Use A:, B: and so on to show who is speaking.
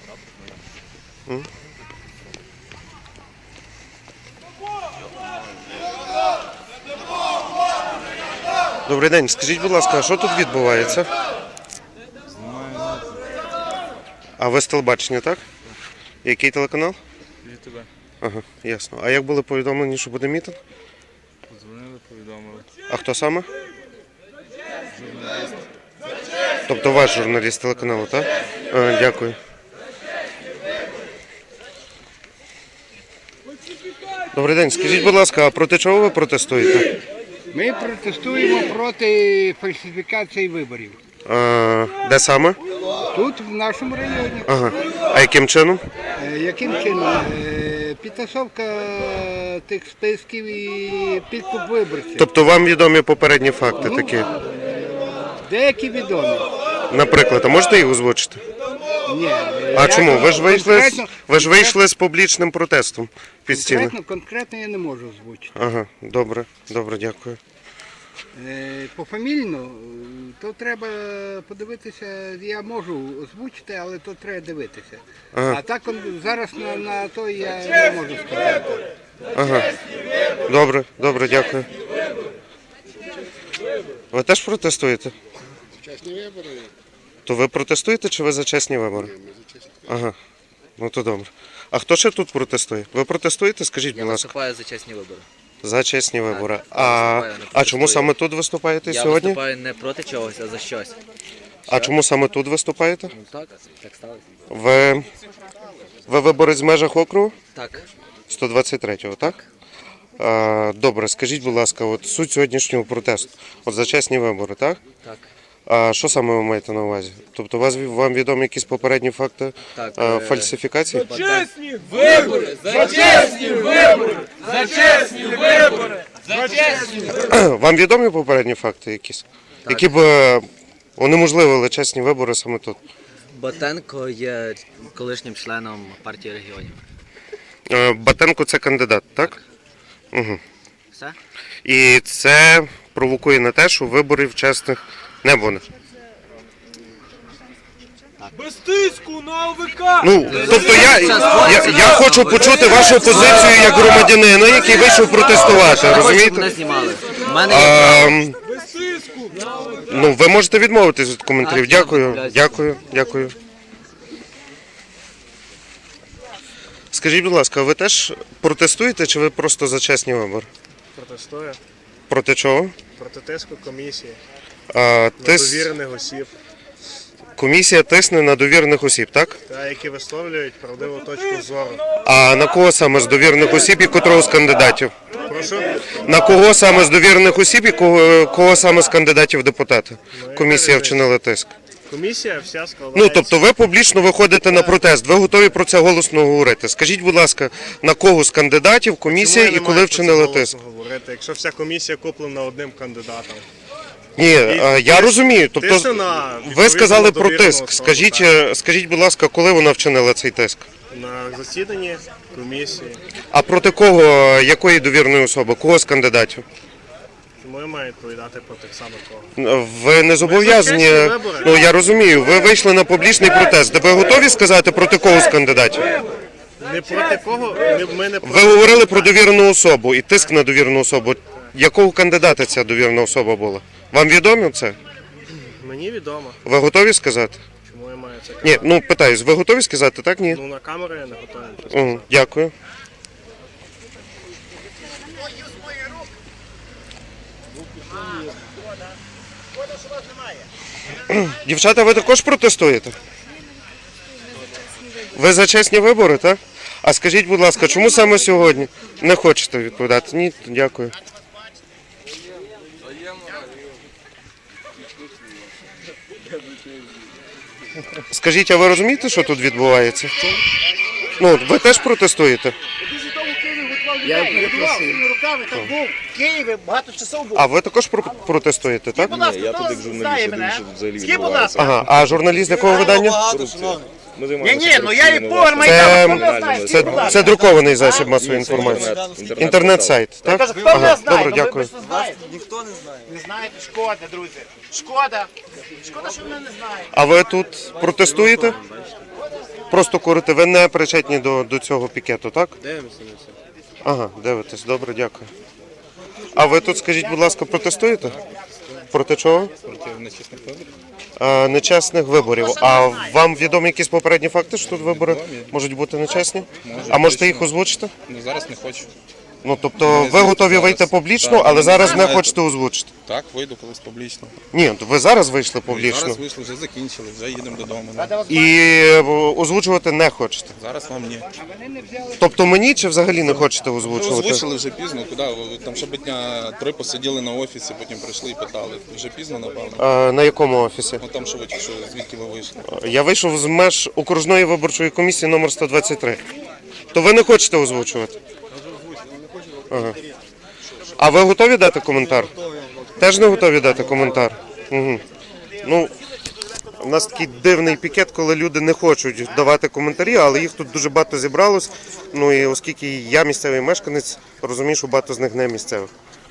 A: Добрий день, скажіть, будь ласка, а що тут відбувається? А ви з телебачення, так? Який телеканал?
B: ЮТБ.
A: Ага, ясно. А як були повідомлені, що буде мітинг?
B: Подзвонили, повідомили.
A: А хто саме?
B: Журналіст.
A: Тобто ваш журналіст телеканалу, так? Дякую. Добрий день, скажіть, будь ласка, а проти чого ви протестуєте?
C: Ми протестуємо проти фальсифікації виборів.
A: Де саме?
C: Тут, в нашому районі.
A: Ага. А яким чином?
C: Яким чином? Підтасовка тих списків і підкуп виборців.
A: Тобто вам відомі попередні факти такі?
C: Деякі відомі.
A: Наприклад, а можете їх озвучити?
C: Ні.
A: А чому? Ви ж вийшли з публічним протестом під стіни.
C: Конкретно я не можу озвучити.
A: Ага, добре, дякую.
C: Пофамільно, то треба подивитися, я можу озвучити, але то треба дивитися.
A: Ага.
C: А так зараз на то я не можу сказати.
A: Ага. Добре, дякую. Ви теж протестуєте?
D: Чесні вибори.
A: То ви протестуєте чи ви за чесні вибори?
D: Ми за чесні.
A: Ага. Ну то добре. А хто ще тут протестує? Ви протестуєте? Скажіть,
E: Я
A: будь ласка.
E: виступаю за чесні вибори.
A: За чесні вибори.
E: виступаю, не
A: А
E: протестую.
A: чому саме тут виступаєте
E: Я
A: сьогодні?
E: виступаю не проти чогось, а за щось.
A: А чому саме тут виступаєте?
E: Ну так сталося.
A: Ви виборець в межах округу?
E: Так.
A: 123-го, так? Добре, скажіть, будь ласка, от суть сьогоднішнього протесту. От за чесні вибори, так?
E: Так.
A: А що саме ви маєте на увазі? Тобто вам відомі якісь попередні факти
E: Так,
A: фальсифікації?
F: Чесні вибори! За чесні вибори! За чесні вибори! За чесні вибори!
A: Вам відомі попередні факти якісь? Які б унеможливили чесні вибори саме тут?
E: Батенко є колишнім членом партії регіонів.
A: Батенко – це кандидат, так? Угу.
E: Все?
A: І це провокує на те, що виборів чесних не буде.
F: Без тиску на ОВК!
A: Ну, тобто я хочу почути вашу позицію як громадянина, який вийшов протестувати,
E: Мене
A: розумієте?
E: знімали. У мене є
F: Без тиску на ОВК!
A: Ну, ви можете відмовитись від коментарів. Дякую. Скажіть, будь ласка, ви теж протестуєте чи ви просто за чесні вибори?
B: Протестує
A: Проти чого?
B: проти тиску комісії,
A: Тис...
B: довірених осіб,
A: Комісія тисне на довірених осіб, так?
B: які висловлюють правдиву точку зору.
A: А на кого саме з довірених осіб і котрого з кандидатів?
B: Прошу?
A: На кого саме з довірених осіб і кого саме з кандидатів в депутати? Комісія вчинила тиск.
B: Комісія вся складається.
A: Ну, тобто ви публічно виходите на протест, ви готові про це голосно говорити. Скажіть, будь ласка, на кого з кандидатів комісія і коли вчинила тиск?
B: Говорити, якщо вся комісія куплена одним кандидатом.
A: Ні, я розумію. Тобто
B: Тисне на
A: ви сказали про
B: довірену
A: тиск.
B: особу,
A: Скажіть, будь ласка, коли вона вчинила цей тиск?
B: На засіданні комісії.
A: А проти кого, якої довірної особи, кого з кандидатів?
B: Тому я маю відповідати про тих самих кого.
A: Ви не зобов'язані.
B: чесні вибори.
A: Ну я розумію, ви вийшли на публічний протест. Де ви готові сказати проти кого з кандидатів?
B: Не проти кого, ми не
A: Ви
B: проти.
A: говорили про довірену особу і тиск на довірену особу. Якого кандидата ця довірена особа була? Вам відомо це?
B: Мені відомо,
A: Ви готові сказати?
B: чому я маю це казати.
A: Ні, ну питаюсь, ви готові сказати, так? Ні?
B: Ну на камеру я не готовий.
A: Дякую. Дівчата, ви також протестуєте? Ви за чесні вибори, так? А скажіть, будь ласка, чому саме сьогодні? Не хочете відповідати? Ні, дякую. Скажіть, а ви розумієте, що тут відбувається? Ну, ви теж протестуєте?
E: Я перепрошую.
G: руками так був в Києві, багато часов був.
A: А ви також протестуєте, так?
G: Будь ласка, хто знає мене? Скажіть, будь ласка.
A: Ага, а журналіст якого видання?
G: Ні, ну я і повар Майдану, хто мене знає? Скажіть, будь ласка.
A: Це друкований засіб масової інформації. Інтернет-сайт,
G: Я
A: так?
G: кажу, хто мене
A: Ага,
G: знає?
A: добре,
G: Ну, ви
A: дякую.
G: ж не знаєте. Ніхто не знає. Не знаєте? Шкода, друзі. Шкода. Шкода, що мене не знаєте.
A: А ви тут протестуєте? просто курите. Ви не причетні до цього пікету, так?
D: Дивимося на це.
A: Ага, дивитесь. Добре, дякую. А ви тут, скажіть, будь ласка, протестуєте? Проти чого?
D: Проти нечесних виборів.
A: Нечесних виборів. А вам відомі якісь попередні факти, що тут вибори можуть бути нечесні? А можете їх озвучити?
D: Ну зараз не хочу.
A: Ну, тобто ви готові вийти публічно, але зараз не хочете озвучити?
D: Так, вийду колись публічно.
A: Ні, ви зараз вийшли
D: Зараз
A: публічно
D: вийшли, вже закінчили, вже їдемо додому.
A: і озвучувати не хочете.
D: Зараз вам ні.
A: Тобто мені чи взагалі не хочете озвучувати?
D: Озвучили вже пізно, куди? Ви там ще би дня 3 посиділи на офісі, потім прийшли і питали. Вже пізно, напевно.
A: На якому офісі?
D: Ну там що ви, що, звідки ви вийшли?
A: Я вийшов з меж окружної виборчої комісії номер 123. То ви не хочете озвучувати? Ага. А ви готові дати коментар? Теж не готові дати коментар? Угу. Ну, у нас такий дивний пікет, коли люди не хочуть давати коментарі, але їх тут дуже багато зібралось. Ну і оскільки я місцевий мешканець, розумію, що багато з них не місцевих.